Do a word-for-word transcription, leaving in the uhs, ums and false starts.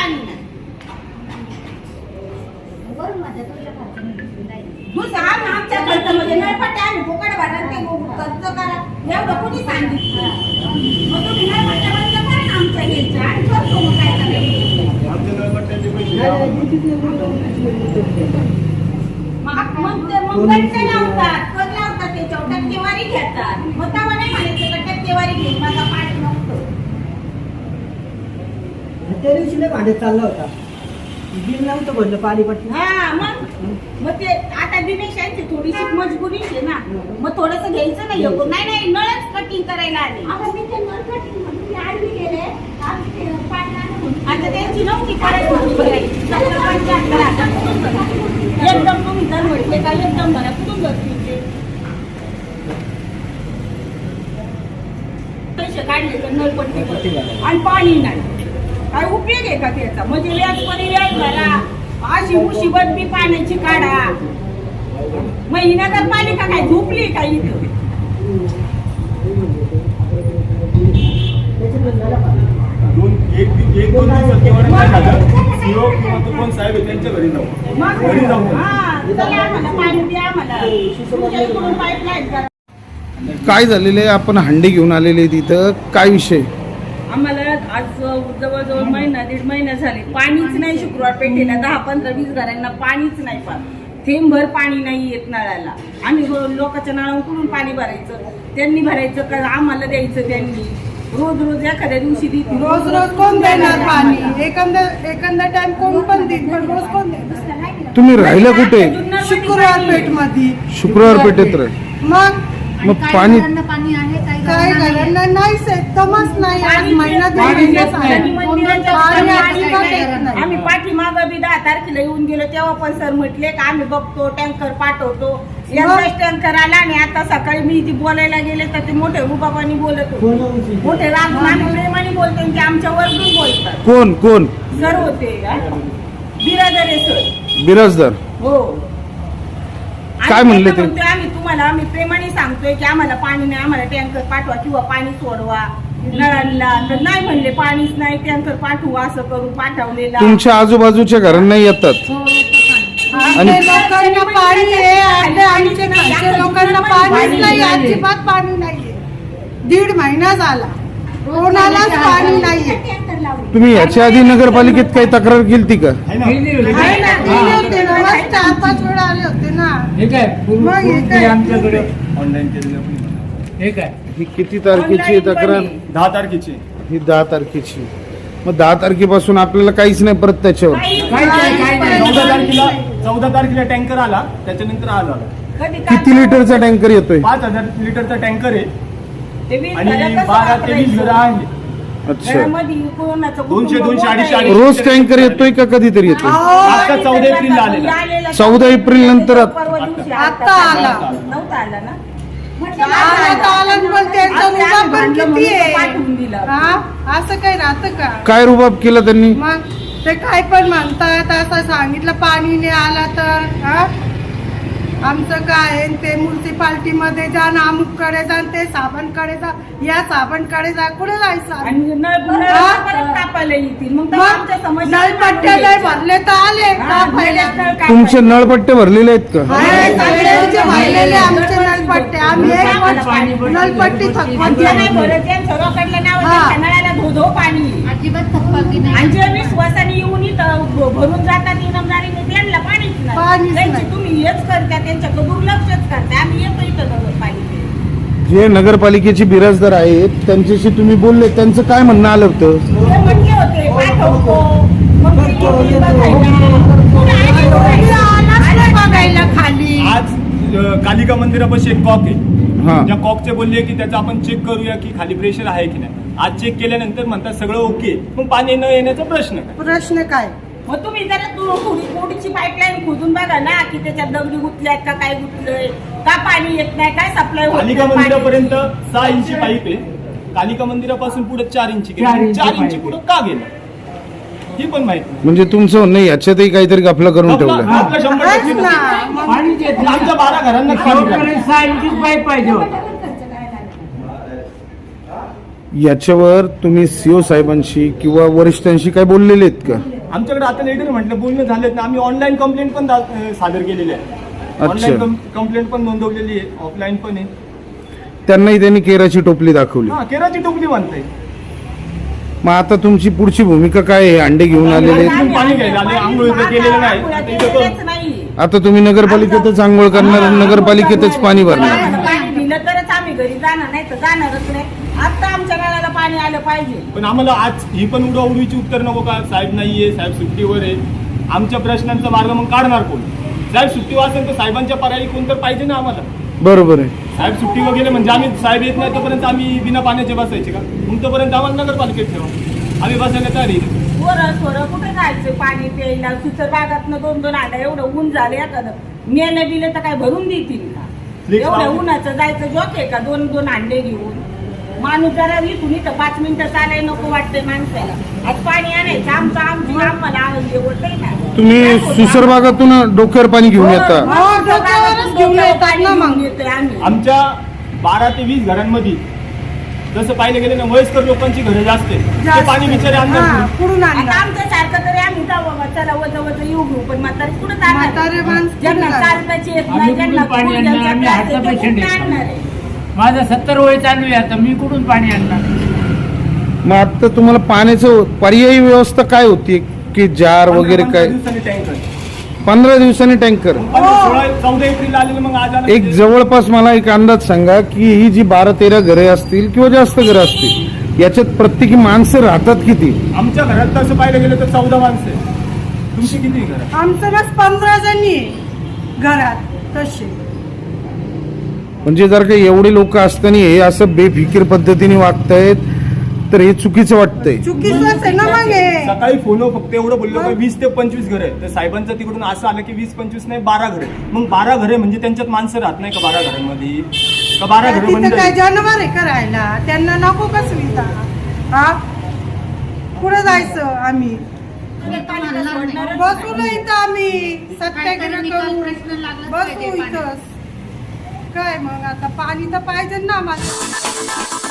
पाणी नाही दुसरा आमच्या खर्चामध्ये नळपट्ट्या आम्ही फुकट भरणार ते खर्च करा एवढं कुणी सांगितलं मग तुम्ही नळपट्ट्या बंद करा ना आमच्या घ्यायच्या आणि करतो मग काय करायचं आमच्या नळपट्ट्याचे पैसे मग ते मग गट्टे लावतात कर लावतात त्याच्यावर टक्केवारी घेतात मग तेव्हा नाही म्हणायचं का टक्केवारी घेऊन माझा पाणी नव्हतं त्या दिवशी नाही भांडत चालला होता बिल नव्हतं भरलं पाणीपट्टी हा मग मग ते आता दिनेश यांची थोडीशी मजबुरी आहे ना मग थोडंसं घ्यायचं नाही नको नाही नाही नळच कटिंग करायला आले आता त्यांची नव्हती एकदम तुम्ही जर म्हटले का एकदम भरा कुठून भरतील पैसे काढले तर नळपट्टी आणि पाणी नाही काय उपयोग आहे का त्याचा म्हणजे व्याज परी व्याज भरा अशी मुसीबत बी पाण्याची काढा मग ही नगरपालिका काय झोपली काय इथं दोन एक एक दोन दिवसात केव्हा नाही झालं सीओ किंवा तो कोण साहेब आहे त्यांच्या घरी जाऊ मग घरी जाऊ हा चला आम्हाला पाणी द्या आम्हाला तुमच्या इकडून पाईपलाईन करा काय झालेलं आहे आपण हंडी घेऊन आलेले तिथं काय विषय आम्हाला आज जवळजवळ महिना दीड महिना झाले पाणीच नाही शुक्रवार पेठेला दहा पंधरा वीस घरांना पाणीच नाही पण थेंबभर पाणी नाही येत नळाला आम्ही लोकांच्या नळाकडून पाणी भरायचं त्यांनी भरायचं का आम्हाला द्यायचं त्यांनी रोज रोज एखाद्या दिवशी देतील रोज रोज कोण देणार पाणी एखादा एखादा टाइम कोण पण देईल पण रोज कोण देणार तुम्ही राहिला कुठे शुक्रवार पेठ मध्ये शुक्रवार पेठेत राह मग मग पाणी काही घरांना नाहीच एकदमच नाही आज महिना दीड आम्ही पाठीमाग बी दहा तारखेला येऊन गेलो तेव्हा पण सर म्हटले का आम्ही बघतो टँकर पाठवतो एकदाच टँकर आला आणि आता सकाळी मी जी बोलायला गेले तर ते मोठे रुबाबानी बोलत होते मोठे राम प्रेमाने बोलते की आमच्या वरतून बोलतात कोण कोण सर होते बिरादरे सर बिराजदार हो काय म्हणले ते आम्ही तुम्हाला आम्ही प्रेमाने सांगतोय की आम्हाला पाणी नाही आम्हाला टँकर पाठवा किंवा पाणी सोडवा नळाला तर नाही म्हणले पाणीच नाही टँकर पाठवू असं करू पाठवलेला तुमच्या आजूबाजूच्या घरांना येतात आणि लोकांना पाणी आहे आमच्या घरच्या लोकांना पाणीच नाही अजिबात पाणी नाहीये दीड महिना झाला कोणालाच पाणी नाहीये तुम्ही याच्या आधी नगरपालिकेत काही तक्रार केली का आहे ना आहे ना, दिले होते ना, मग चार पाच वेळा आले होते ना मग हे काय आमच्याकडे ऑनलाईन केलेलं आपण हे काय ही किती तारखेची आहे तक्रार दहा तारखेची ही दहा तारखेची मग दहा तारखेपासून आपल्याला काहीच नाही परत त्याच्यावर काय काय काय नाही चौदा तारखेला चौदा तारखेला टँकर आला त्याच्यानंतर आज आला किती लिटरचा टँकर येतोय पाच हजार लिटरचा टँकर आहे ते वीस आणि घरं कसं बारा ते वीस घरं वापरायचं? आहे अच्छा घरामध्ये कोणाचं कुटुंब दोनशे, दोनशे, मोठं अडीचशे, आहे. अडीचशे. रोज टँकर येतोय का कधीतरी येतोय आता चौदा एप्रिलला आलेला. आलेला चौदा एप्रिल नंतर आत- परवा दिवशी आता आला. नव्हता आला ना आला तर आला पण त्यांचा असं रुबाब पण भांडलं किती म्हणून आहे पाठवून दिलं. हा असं काही राहतं का काय रुबाब केला त्यांनी मग ते काय पण म्हणतात असं सांगितलं पाणी नाही आला तर हा आमचं काय आहे ते म्युन्सिपाल्टी मध्ये जा ना अमुककडे जा ते साबणकडे जा या साबणकडे जा कुठे जायचं आणि नळ नळ हा? परत कापायला येतील मग तेव्हा आमच्या मग समस्या नळपट्ट्या नाही भरले तर आले हा, का पहिलेच पहिल्या नळ कापायला. तुमचे नळपट्टे भरलेले आहेत का आहे, सगळ्यांचे भरलेले आमचे नळपट्टे आम्ही एक पण नळपट्टी थकवत जे नाही नाही भरत त्यांचं रोकडलं नाव हा. त्यांच्या नळाला धो धो पाणी अजिबात थकबाकी नाही आणि जे विश्वासाने येऊन इथं भ- भरून जातात इनामदारीने त्यांना पाणीच नाही पाणीच त्यांची नाही. तुम्ही हेच करता त्यांच्याकडे दुर्लक्षच करता आम्ही येतो इथं नगरपालिकेत जे नगरपालिकेचे बिराजदार आहेत त्यांच्याशी तुम्ही बोलले त्यांचं काय म्हणणं आलं होतं ते म्हटले होते पाठवतो मग ते येतील बघायला. पुढे आले कोणी बघायला. आलाच नाही बघायला खाली आज अ, कालिका मंदिरापाशी एक कॉक आहे हा त्या कॉकचे बोलले की त्याचं आपण चेक करूया की खाली प्रेशर आहे की नाही आज चेक केल्यानंतर म्हणतात सगळं ओके मग पाणी न येण्याचा प्रश्न काय प्रश्न काय मग तुम्ही जरा तू- थोडी थोडीशी पाईपलाईन खोदून बघा ना की त्याच्यात दगडी गुतल्यात का काय गुतलंय का पाणी येत नाही काय सप्लाय कालिका मंदिरापर्यंत सहा इंची पाईप आहे कालिका मंदिरापासून पुढे चार इंची चार गेली इंची चार पाईप इंची पुढे का गेलं ही पण माहिती नाही. म्हणजे तुमचं नाही याच्यातही काहीतरी गफला करून आपला- ठेवलं आपला शंभर आहेच टक्के ना मग पाणीच येत पण आमच्या बारा घरांना पाणी नाही नाही. सहा इंचीच पाईप पाहिजे होता याच्यावर तुम्ही सीओ साहेबांशी किंवा वरिष्ठांशी काय बोललेले आहेत का आमच्याकडे आता लेटर म्हटलं बोलणं झालेत ना, आम्ही ऑनलाईन कंप्लेंट पण दा- अं, सादर केलेली आहे. ऑनलाईन कंप्लेंट पण नोंदवलेली आहे, ऑफलाईन पण आहे. त्यांनाही त्यांनी केराची टोपली दाखवली. हा, केराची टोपली बांधताय. मग आता तुमची पुढची भूमिका काय आहे? अंडे घेऊन आलेले आहेत. आम्ही पाणी घ्यायला आले, आंघोळ इथं केलेलं नाही. आंघोळ्या आता इथं केलेल्याच पण- नाही. आता तुम्ही नगरपालिकेतच आंघोळ करणार, नगरपालिकेतच पाणी भरणार. आम्हाला पाणी दिलं तरच आम्ही घरी जाणार, नाही तर जाणारच नाही. आता आमच्या नळाला पाणी आलं पाहिजे. पण आम्हाला आज ही पण उडवाउडवीची उत्तर नको का? साहेब नाहीये, साहेब सुट्टीवर आहे. आमच्या प्रश्नांचा मार्ग मग काढणार कोण? साहेब सुट्टीवर असेल तर साहेबांच्या पर्यायी कोण तर पाहिजे ना आम्हाला. बरोबर आहे. साहेब सुट्टीवर गेले म्हणजे आम्ही साहेब येत नाही तोपर्यंत आम्ही बिना पाण्याचे बसायचे का? मग तोपर्यंत आम्हाला नगरपालिकेत ठेवा, आम्ही बसायला तयार आहे. पोरं सोरं कुठे जायचं पाणी प्यायला? सुसर बागातनं दोन दोन आलं, एवढं ऊन झालं एखादं मेलं बिलं तर काय भरून देतील का? Please, एवढं ma'am. उन्हाचं जायचं जोक आहे का? दोन दोन अंडे घेऊन माणूस जरा इथून इथं पाच मिनिटं चालाय नको वाटतंय माणसाला. आज पाणी आणायचं आमचं आमची आम्हाला आनंद होतंय ना. तुम्ही सुसरबागातून डोक्यावर पाणी घेऊन येता. हो, डोक्यावरच घेऊन येतात ना मग. येतोय आम्ही. आमच्या बारा ते वीस घरांमध्ये जसं पाहिलं गेलं ना, वयस्कर लोकांची घरं जास्त आहे. ते जास्त. पाणी बिचारे हा, आणतात. कुठून आता आणणार? आमच्या सारखं तरी आम्ही जाऊ बाबा, चला वज वज येऊ घेऊ, पण म्हातारे कुठं म्हातारे जाणार? माणसं ज्यांना कुठं जाणार? चालताच येत आम्ही नाही, ज्यांना कुठून पाणी गुडघ्याचा आणणार? आम्ही त्रास हार्टचा आहे, ते पेशंट कुठून आहे. आणणार आहे? माझं सत्तर वय चालू आहे, आता मी कुठून पाणी आणणार? मग आता तुम्हाला पाण्याचं पर्यायी व्यवस्था काय होती की जार वगैरे काय? टँकर पंधरा दिवसांनी टँकर. सोळा चौदा एप्रिल आलेलं, मग आज आलं एक म्हणजे- जवळपास मला एक अंदाज सांगा की ही जी बारा तेरा घरे असतील किंवा जास्त घरं असतील, याच्यात प्रत्येकी माणसं राहतात किती? आमच्या घरात तसं पाहिलं गेलं तर चौदा माणसं आहे. तुमची किती घरं? आमचं बस पंधरा जणी आहे घरात तसे. म्हणजे जर का एवढे लोक असताना हे असं बेफिकीर पद्धतीने वागतायत तर हे चुकीचं वाटतंय. चुकीचंच आहे ना मग हे. सकाळी फोनवर फक्त एवढं बोललो का वीस ते पंचवीस घर आहे. तर साहेबांचं तिकडून असं आलं की वीस पंचवीस नाही बारा घरे. मग बारा घरे म्हणजे त्यांच्यात माणसं राहत नाही का बारा घरांमध्ये? का बारा घरं बंद तिथं काय आहे? जनावर आहे करायला? त्यांना नको का सुविधा? हा, कुठं जायचं आम्ही? बसू नाही इथं आम्ही सत्याग्रह करू, बसू इथंच. काय मग आता पाणी तर पाहिजे ना आम्हाला.